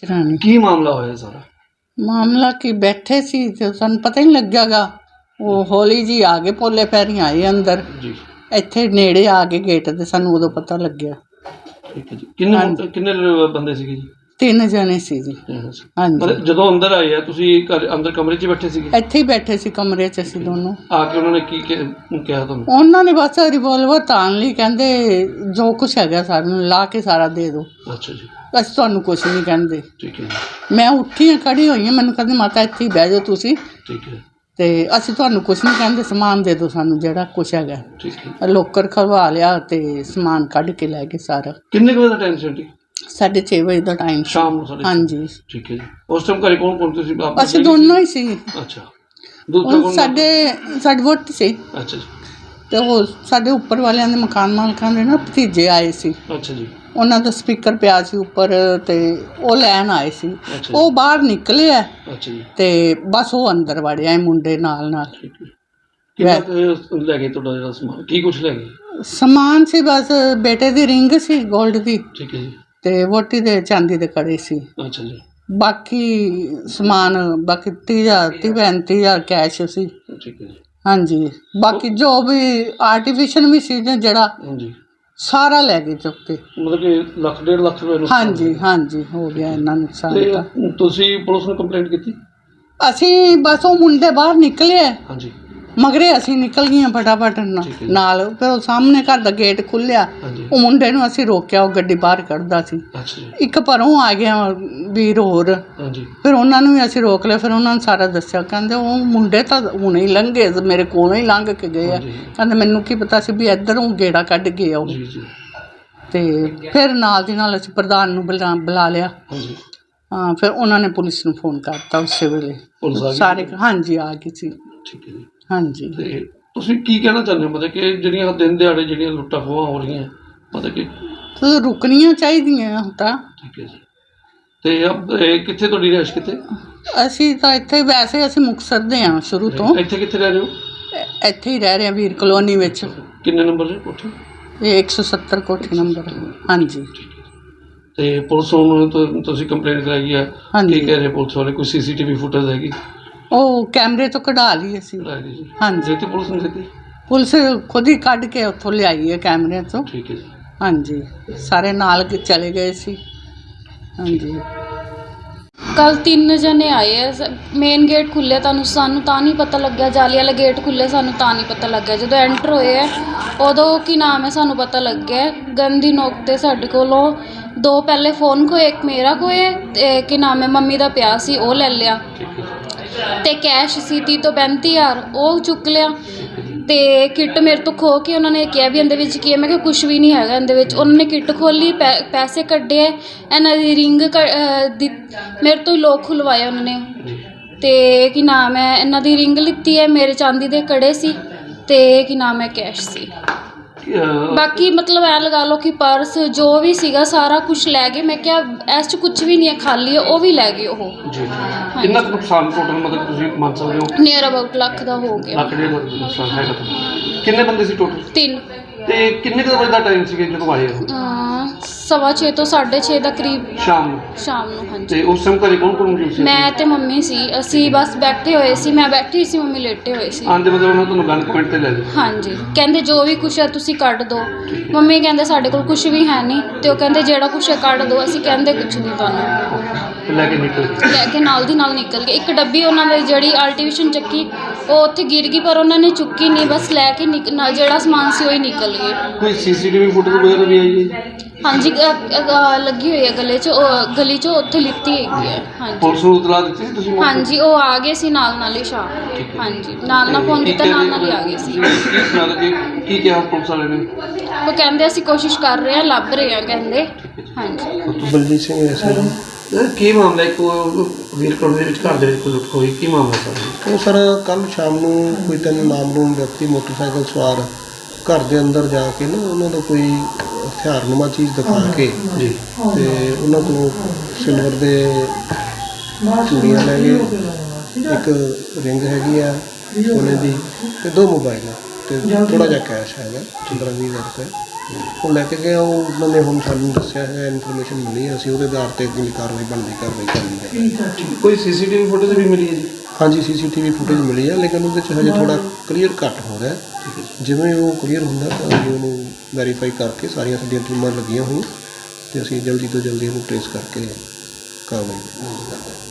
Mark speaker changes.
Speaker 1: ਚਰਾਣੀ
Speaker 2: ਕੀ ਮਾਮਲਾ ਹੋਇਆ ਸਾਰਾ?
Speaker 1: ਮਾਮਲਾ ਕੀ ਬੈਠੇ ਸੀ ਤੇ ਸਾਨੂੰ ਪਤਾ ਹੀ ਨਹੀਂ ਲੱਗਿਆਗਾ। ਉਹ ਹੌਲੀ ਜੀ ਆ ਗਏ, ਪੋਲੇ ਪੈਰੀਂ ਆਏ ਅੰਦਰ,
Speaker 2: ਜੀ
Speaker 1: ਇੱਥੇ ਨੇੜੇ ਆ ਗਏ ਗੇਟ ਤੇ, ਸਾਨੂੰ ਉਦੋਂ ਪਤਾ ਲੱਗਿਆ।
Speaker 2: ਠੀਕ ਹੈ ਜੀ। ਕਿੰਨੇ ਬੰਦੇ ਸੀਗੇ ਜੀ?
Speaker 1: 3 ਜਣੇ ਸੀ ਜੀ। ਹਾਂਜੀ,
Speaker 2: ਮਤਲਬ ਜਦੋਂ ਅੰਦਰ ਆਏ ਆ ਤੁਸੀਂ ਘਰ ਅੰਦਰ ਕਮਰੇ 'ਚ ਬੈਠੇ ਸੀਗੇ?
Speaker 1: ਇੱਥੇ ਹੀ ਬੈਠੇ ਸੀ ਕਮਰੇ 'ਚ ਅਸੀਂ ਦੋਨੋਂ।
Speaker 2: ਆ ਕੇ ਉਹਨਾਂ ਨੇ ਕੀ ਕਿਹਾ ਤੁਹਾਨੂੰ?
Speaker 1: ਉਹਨਾਂ ਨੇ ਬਸ ਰਿਵੋਲਵਰ ਤਾਣ ਲਈ, ਕਹਿੰਦੇ ਜੋ ਕੁਛ ਹੈਗਾ ਸਾਨੂੰ ਲਾ ਕੇ ਸਾਰਾ ਦੇ ਦਿਓ,
Speaker 2: ਅੱਛਾ ਜੀ।
Speaker 1: ਅਸੀਂ ਤੁਹਾਨੂੰ ਕੁਛ ਨਹੀਂ ਕਹਿੰਦੇ।
Speaker 2: ਠੀਕ ਹੈ ਜੀ।
Speaker 1: ਮੈਂ ਉੱਠੀ ਹਾਂ, ਖੜੀ ਹੋਈ ਹਾਂ, ਮੈਨੂੰ ਕਹਿੰਦੇ ਮਾਤਾ ਇੱਥੇ ਹੀ ਬਹਿ ਜਾਓ ਤੁਸੀਂ,
Speaker 2: ਠੀਕ ਹੈ।
Speaker 1: ਤੇ ਅਸੀਂ ਤੁਹਾਨੂੰ ਕੁਛ ਨਹੀਂ ਕਹਿੰਦੇ, ਸਮਾਨ ਦੇ ਦਿਓ ਸਾਨੂੰ ਜਿਹੜਾ ਕੁਛ ਹੈਗਾ।
Speaker 2: ਠੀਕ ਹੈ।
Speaker 1: ਲੋਕਰ ਖਲਵਾ ਲਿਆ ਤੇ ਸਮਾਨ ਕੱਢ ਕੇ ਲੈ ਗਏ ਸਾਰਾ।
Speaker 2: ਕਿੰਨੇ ਕੁ ਵਜੇ ਦਾ ਟਾਈਮ ਸੀ ਆਂਟੀ?
Speaker 1: 6:30 ਵਜੇ ਦਾ ਟਾਈਮ ਸੀ।
Speaker 2: ਸ਼ਾਮ ਨੂੰ 6:30?
Speaker 1: ਹਾਂਜੀ।
Speaker 2: ਠੀਕ ਹੈ ਜੀ। ਉਸ ਟਾਈਮ ਘਰੇ ਕੌਣ ਤੁਸੀਂ?
Speaker 1: ਅਸੀਂ ਦੋਨੋਂ ਹੀ ਸੀ।
Speaker 2: ਅੱਛਾ। ਦੂਸਰਾ ਕੌਣ?
Speaker 1: ਸਾਡੇ ਵੋਟੀ ਸੀ।
Speaker 2: ਅੱਛਾ ਜੀ।
Speaker 1: ਤੇ ਉਹ ਸਾਡੇ ਉੱਪਰ ਵਾਲਿਆਂ ਦੇ ਮਕਾਨ ਮਾਲਕਾਂ ਦੇ ਨਾ ਭਤੀਜੇ ਆਏ ਸੀ।
Speaker 2: ਅੱਛਾ ਜੀ।
Speaker 1: ਉਹਨਾਂ ਦਾ ਸਪੀਕਰ ਪਿਆ ਸੀ ਉੱਪਰ ਤੇ ਉਹ ਲੈਣ ਆਏ ਸੀ। ਉਹ ਬਾਹਰ ਨਿਕਲੇ ਆ।
Speaker 2: ਅੱਛਾ ਜੀ।
Speaker 1: ਤੇ ਬਸ ਉਹ ਅੰਦਰ ਵੜਿਆ ਮੁੰਡੇ ਨਾਲ।
Speaker 2: ਠੀਕ ਹੈ। ਕਿੰਨਾ ਲੈ ਗਏ ਤੁਹਾਡਾ ਜਿਹੜਾ ਸਮਾਨ? ਕੀ ਕੁਛ ਲੈ ਗਏ?
Speaker 1: ਸਮਾਨ ਸੀ ਬਸ ਬੇਟੇ ਦੀ ਰਿੰਗ ਸੀ ਗੋਲਡ ਦੀ।
Speaker 2: ਠੀਕ ਹੈ ਜੀ।
Speaker 1: ਤੇ ਵੋਟੀ ਦੇ ਚਾਂਦੀ ਦੇ ਕੜੇ ਸੀ।
Speaker 2: ਅੱਛਾ ਜੀ।
Speaker 1: ਬਾਕੀ ਸਮਾਨ 30,000 ਕੈਸ਼ ਸੀ।
Speaker 2: ਠੀਕ ਹੈ ਜੀ।
Speaker 1: ਹਾਂਜੀ। ਬਾਕੀ ਜੋ ਵੀ ਆਰਟੀਫਿਸ਼ਲ ਵੀ ਸੀ ਨਾ ਜਿਹੜਾ,
Speaker 2: ਹਾਂਜੀ,
Speaker 1: ਸਾਰਾ ਲੈ ਗਏ ਚੁੱਕ ਕੇ।
Speaker 2: ਮਤਲਬ ਕਿ 1.5 ਲੱਖ ਰੁਪਏ?
Speaker 1: ਹਾਂਜੀ ਹਾਂਜੀ, ਹੋ ਗਿਆ ਇੰਨਾ ਨੁਕਸਾਨ।
Speaker 2: ਤੇ ਤੁਸੀਂ ਪੁਲਿਸ ਨੂੰ ਕੰਪਲੇਂਟ ਕੀਤੀ?
Speaker 1: ਅਸੀਂ ਬਸ ਉਹ ਮੁੰਡੇ ਬਾਹਰ ਨਿਕਲੇ,
Speaker 2: ਹਾਂਜੀ,
Speaker 1: ਮਗਰੇ ਅਸੀਂ ਨਿਕਲ ਗਈਆਂ ਫਟਾਫਟ ਨਾਲ। ਫਿਰ ਉਹ ਸਾਹਮਣੇ ਘਰ ਦਾ ਗੇਟ ਖੁੱਲਿਆ, ਉਹ ਮੁੰਡੇ ਨੂੰ ਅਸੀਂ ਰੋਕਿਆ, ਉਹ ਗੱਡੀ ਬਾਹਰ ਕੱਢਦਾ ਸੀ।
Speaker 2: ਅੱਛਾ ਜੀ।
Speaker 1: ਇੱਕ ਪਰੋਂ ਆ ਗਿਆ ਵੀਰ ਹੋਰ।
Speaker 2: ਹਾਂਜੀ।
Speaker 1: ਫਿਰ ਉਹਨਾਂ ਨੂੰ ਵੀ ਅਸੀਂ ਰੋਕ ਲਿਆ। ਫਿਰ ਉਹਨਾਂ ਨੂੰ ਸਾਰਾ ਦੱਸਿਆ, ਕਹਿੰਦੇ ਉਹ ਮੁੰਡੇ ਤਾਂ ਹੁਣੇ ਹੀ ਲੰਘੇ, ਮੇਰੇ ਕੋਲੋਂ ਹੀ ਲੰਘ ਕੇ ਗਏ ਆ। ਕਹਿੰਦੇ ਮੈਨੂੰ ਕੀ ਪਤਾ ਸੀ ਵੀ ਇੱਧਰੋਂ ਗੇੜਾ ਕੱਢ ਗਏ ਆ ਉਹ। ਤੇ ਫਿਰ ਨਾਲ ਦੀ ਨਾਲ ਅਸੀਂ ਪ੍ਰਧਾਨ ਨੂੰ ਬੁਲਾ ਲਿਆ। ਹਾਂ, ਫਿਰ ਉਹਨਾਂ ਨੇ ਪੁਲਿਸ ਨੂੰ ਫੋਨ ਕਰਤਾ ਉਸੇ ਵੇਲੇ। ਸਾਰੇ ਹਾਂਜੀ ਆ ਗਏ ਸੀ।
Speaker 2: ਠੀਕ ਹੈ ਜੀ। ਹਾਂਜੀ। ਤੇ ਤੁਸੀਂ ਕੀ ਕਹਿਣਾ ਚਾਹੁੰਦੇ ਹੋ, ਮਤਲਬ ਕਿ ਜਿਹੜੀਆਂ ਦਿਨ ਦਿਹਾੜੇ ਜਿਹੜੀਆਂ ਲੁੱਟਾਂ ਖੋਹਾਂ ਹੋ ਰਹੀਆਂ, ਮਤਲਬ ਕਿ
Speaker 1: ਰੁਕਣੀਆਂ ਚਾਹੀਦੀਆਂ ਤਾਂ?
Speaker 2: ਠੀਕ ਹੈ ਜੀ। ਤੇ ਕਿੱਥੇ ਤੁਹਾਡੀ ਰਿਹਾਇਸ਼? ਕਿੱਥੇ? ਅਸੀਂ
Speaker 1: ਤਾਂ ਇੱਥੇ, ਵੈਸੇ ਅਸੀਂ ਮੁਕਤਸਰ ਦੇ ਹਾਂ ਸ਼ੁਰੂ ਤੋਂ।
Speaker 2: ਇੱਥੇ ਕਿੱਥੇ ਰਹਿ ਰਹੇ ਹੋ?
Speaker 1: ਇੱਥੇ ਹੀ ਰਹਿ ਰਹੇ ਹਾਂ, ਵੀਰ ਕਲੋਨੀ ਵਿੱਚ।
Speaker 2: ਕਿੰਨੇ ਨੰਬਰ ਦੀ ਕੋਠੀ?
Speaker 1: ਇਹ 170 ਕੋਠੀ ਨੰਬਰ। ਹਾਂਜੀ।
Speaker 2: ਤੇ ਪੁਲਿਸ ਨੂੰ ਤੁਸੀਂ ਕੰਪਲੇਂਟ ਕਰਾਈ ਹੈ? ਕੀ ਕਹਿ ਰਹੇ ਪੁਲਿਸ ਵਾਲੇ? ਕੋਈ CCTV ਫੁਟੇਜ ਹੈਗੀ? ਉਹ
Speaker 1: ਕੈਮਰੇ ਤੋਂ ਕਢਾ ਲਈ ਅਸੀਂ। ਹਾਂਜੀ।
Speaker 2: ਤੇ ਪੁਲਿਸ ਨੂੰ ਦਿੱਤੀ?
Speaker 1: ਪੁਲਿਸ ਖੁਦ ਹੀ ਕੱਢ ਕੇ ਉੱਥੋਂ ਲਿਆਈ ਹੈ ਕੈਮਰਿਆਂ ਤੋਂ।
Speaker 2: ਠੀਕ ਹੈ ਜੀ।
Speaker 1: ਹਾਂਜੀ, ਸਾਰੇ ਨਾਲ ਚਲੇ ਗਏ ਸੀ। ਹਾਂਜੀ।
Speaker 3: ਕੱਲ 3 ਜਣੇ ਆਏ ਆ। ਮੇਨ ਗੇਟ ਖੁੱਲ੍ਹਿਆ, ਸਾਨੂੰ ਤਾਂ ਨਹੀਂ ਪਤਾ ਲੱਗਿਆ। ਜਾਲੀ ਵਾਲਾ ਗੇਟ ਖੁੱਲ੍ਹਿਆ, ਸਾਨੂੰ ਤਾਂ ਨਹੀਂ ਪਤਾ ਲੱਗਿਆ। ਜਦੋਂ ਐਂਟਰ ਹੋਏ ਆ ਉਦੋਂ ਕੀ ਨਾਮ ਹੈ ਸਾਨੂੰ ਪਤਾ ਲੱਗਿਆ। ਗਨ ਦੀ ਨੋਕ 'ਤੇ ਸਾਡੇ ਕੋਲੋਂ 2 ਪਹਿਲੇ ਫੋਨ ਖੋਏ, ਇੱਕ ਮੇਰਾ ਖੋਏ ਤੇ ਕੀ ਨਾਮ ਹੈ ਮੰਮੀ ਦਾ ਪਿਆ ਸੀ, ਉਹ ਲੈ ਲਿਆ। ਤੇ ਕੈਸ਼ ਸੀ 30 ਤੋਂ 35,000, ਉਹ ਚੁੱਕ ਲਿਆ। ਤੇ ਕਿੱਟ ਮੇਰੇ ਤੋਂ ਖੋਹ ਕੇ ਉਹਨਾਂ ਨੇ ਕਿਹਾ ਵੀ ਇਹਦੇ ਵਿੱਚ ਕੀ ਹੈ। ਮੈਂ ਕਿਹਾ ਕੁਛ ਵੀ ਨਹੀਂ ਹੈਗਾ ਇਹਦੇ ਵਿੱਚ। ਉਹਨਾਂ ਨੇ ਕਿੱਟ ਖੋਲ੍ਹੀ, ਪੈਸੇ ਕੱਢੇ, ਇਹਨਾਂ ਦੀ ਰਿੰਗ ਮੇਰੇ ਤੋਂ ਹੀ ਲੋਕ ਖੁਲਵਾਏ ਉਹਨਾਂ ਨੇ। ਤੇ ਕੀ ਨਾਮ ਹੈ ਇਹਨਾਂ ਦੀ ਰਿੰਗ ਲਿੱਤੀ ਹੈ, ਮੇਰੇ ਚਾਂਦੀ ਦੇ ਕੜੇ ਸੀ ਤੇ ਕੀ ਨਾਮ ਹੈ ਕੈਸ਼ ਸੀ। ਬਾਕੀ ਮਤਲਬ ਐਂ ਲਗਾ ਲਓ ਕਿ ਪਰਸ ਜੋ ਵੀ ਸੀਗਾ ਸਾਰਾ ਕੁਛ ਲੈ ਗਏ। ਮੈਂ ਕਿਹਾ ਇਸ 'ਚ ਕੁਛ ਵੀ ਨਹੀਂ ਹੈ, ਖਾਲੀ ਹੈ, ਉਹ ਵੀ ਲੈ ਗਏ ਉਹ।
Speaker 2: ਕਿੰਨਾ ਕੁ ਨੁਕਸਾਨ ਟੋਟਲ ਮਤਲਬ ਤੁਸੀਂ ਮੰਨ ਸਕਦੇ ਹੋ?
Speaker 3: ਨੀਅਰ ਅਬਾਊਟ ਲੱਖ ਦਾ ਹੋ ਗਿਆ।
Speaker 2: ਲੱਖ ਡੇਢ ਲੱਖ ਦਾ ਨੁਕਸਾਨ ਹੈਗਾ ਤੁਹਾਡਾ। ਕਿੰਨੇ ਬੰਦੇ ਸੀ ਟੋਟਲ? 3। ਤੇ ਕਿੰਨੇ ਕੁ ਵਜੇ ਦਾ ਟਾਈਮ ਸੀਗਾ ਜਦੋਂ ਆਏ?
Speaker 3: 6:15 ਤੋਂ 6:30 ਦਾ ਕਰੀਬ ਸ਼ਾਮ ਨੂੰ। ਹਾਂਜੀ।
Speaker 2: ਤੇ ਉਸ ਟਾਈਮ ਘਰੇ ਕੌਣ ਮੌਜੂਦ ਸੀ?
Speaker 3: ਮੈਂ ਤੇ ਮੰਮੀ ਸੀ। ਅਸੀਂ ਬਸ ਬੈਠੇ ਹੋਏ ਸੀ, ਮੈਂ ਬੈਠੀ ਸੀ, ਮੰਮੀ ਲੇਟੇ ਹੋਏ ਸੀ।
Speaker 2: ਆਂਦੇ ਮਤਲਬ ਉਹਨਾਂ ਤੁਹਾਨੂੰ ਗਨ ਪੁਆਇੰਟ ਤੇ ਲੈ ਲਿਆ? ਹਾਂਜੀ।
Speaker 3: ਕਹਿੰਦੇ ਜੋ ਵੀ ਕੁਛ ਹੈ ਤੁਸੀਂ ਕੱਢ ਦਿਓ। ਮੰਮੀ ਕਹਿੰਦੇ ਸਾਡੇ ਕੋਲ ਕੁਛ ਵੀ ਹੈ ਨਹੀਂ, ਤੇ ਉਹ ਕਹਿੰਦੇ ਜਿਹੜਾ ਕੁਛ ਹੈ ਕੱਢ ਦਿਓ। ਅਸੀਂ ਕਹਿੰਦੇ ਕੁਛ ਨਹੀਂ ਤੁਹਾਨੂੰ। ਲੈ ਕੇ ਨਾਲ ਦੀ ਨਾਲ ਨਿਕਲ ਗਏ। ਇੱਕ ਡੱਬੀ ਉਹਨਾਂ ਦੀ ਜਿਹੜੀ ਆਰਟੀਫਿਸ਼ਲ ਚੱਕੀ, ਉਹ ਉੱਥੇ ਗਿਰ ਗਈ, ਪਰ ਉਹਨਾਂ ਨੇ ਚੁੱਕੀ ਨਹੀਂ, ਬਸ ਲੈ ਕੇ ਜਿਹੜਾ ਸਮਾਨ ਸੀ ਉਹ ਹੀ ਨਿਕਲ ਗਏ।
Speaker 2: ਕੋਈ CCTV ਫੁਟੇਜ ਵਗੈਰਾ ਵੀ ਆਈ ਹੈ?
Speaker 3: ਹਾਂਜੀ, ਲੱਗੀ ਹੋਈ ਹੈ ਗਲੀ 'ਚ ਉੱਥੇ ਲਿੱਤੀ ਹੈਗੀ ਹੈ। ਹਾਂਜੀ।
Speaker 2: ਪੁਲਿਸ ਨੂੰ ਇਤਲਾਹ ਦਿੱਤੀ ਸੀ ਤੁਸੀਂ?
Speaker 3: ਹਾਂਜੀ, ਉਹ ਆ ਗਏ ਸੀ ਨਾਲ ਹੀ ਸ਼ਾਮ। ਹਾਂਜੀ, ਨਾਲ ਫੋਨ ਕੀਤਾ, ਨਾਲ ਹੀ ਆ ਗਏ ਸੀ।
Speaker 2: ਕੀ ਕਿਹਾ ਪੁਲਿਸ ਵਾਲੇ ਨੇ?
Speaker 3: ਉਹ ਕਹਿੰਦੇ ਅਸੀਂ ਕੋਸ਼ਿਸ਼ ਕਰ ਰਹੇ ਹਾਂ, ਲੱਭ ਰਹੇ ਹਾਂ ਕਹਿੰਦੇ। ਹਾਂਜੀ।
Speaker 2: ਬਲਜੀਤ ਸਿੰਘ ਐਸਾ ਕੀ ਮਾਮਲਾ? ਇੱਕ ਵੀਰ ਕਲੋਨੀ ਦੇ ਵਿੱਚ ਘਰ ਦੇ ਵਿੱਚ ਲੁੱਟ ਹੋਈ, ਕੀ ਮਾਮਲਾ ਸਰ?
Speaker 4: ਉਹ ਸਰ ਕੱਲ੍ਹ ਸ਼ਾਮ ਨੂੰ ਕੋਈ 3 ਨਾਮਲੂਮ ਵਿਅਕਤੀ ਮੋਟਰਸਾਈਕਲ ਸਵਾਰ ਘਰ ਦੇ ਅੰਦਰ ਜਾ ਕੇ ਨਾ ਉਹਨਾਂ ਦਾ ਕੋਈ ਹਥਿਆਰਨੁਮਾ ਚੀਜ਼ ਦਿਖਾ ਕੇ ਜੀ ਤੇ ਉਹਨਾਂ ਤੋਂ ਸਿਲਵਰ ਦੇ ਚੂੜੀਆਂ ਲੈ ਗਏ, ਇੱਕ ਰਿੰਗ ਹੈਗੀ ਆ ਸੋਨੇ ਦੀ, ਤੇ 2 ਮੋਬਾਈਲ ਤੇ ਥੋੜ੍ਹਾ ਜਿਹਾ ਕੈਸ਼ ਹੈਗਾ 15-20 ਹਜ਼ਾਰ ਰੁਪਏ ਉਹ ਲੈ ਕੇ ਗਿਆ। ਉਹਨਾਂ ਨੇ ਹੁਣ ਸਾਨੂੰ ਦੱਸਿਆ ਹੈ, ਇਨਫੋਰਮੇਸ਼ਨ ਮਿਲੀ ਹੈ, ਅਸੀਂ ਉਹਦੇ ਆਧਾਰ 'ਤੇ ਅੱਗੇ ਕਾਰਵਾਈ ਬਣਦੀ ਕਾਰਵਾਈ ਕਰਨੀ ਹੈ।
Speaker 2: ਕੋਈ ਸੀਸੀਟੀਵੀ ਫੁਟੇਜ ਵੀ ਮਿਲੀ ਹੈ ਜੀ?
Speaker 4: ਹਾਂਜੀ, CCTV ਫੁਟੇਜ ਮਿਲੀ ਹੈ, ਲੇਕਿਨ ਉਹਦੇ 'ਚ ਹਜੇ ਥੋੜ੍ਹਾ ਕਲੀਅਰ ਘੱਟ ਹੋ ਰਿਹਾ। ਜਿਵੇਂ ਉਹ ਕਲੀਅਰ ਹੁੰਦਾ ਤਾਂ ਅਸੀਂ ਉਹਨੂੰ ਵੈਰੀਫਾਈ ਕਰਕੇ, ਸਾਰੀਆਂ ਸਾਡੀਆਂ ਟੀਮਾਂ ਲੱਗੀਆਂ ਹੋਈਆਂ ਅਤੇ ਅਸੀਂ ਜਲਦੀ ਤੋਂ ਜਲਦੀ ਉਹਨੂੰ ਟ੍ਰੇਸ ਕਰਕੇ ਕਾਰਵਾਈ ਕਰਾਂਗੇ।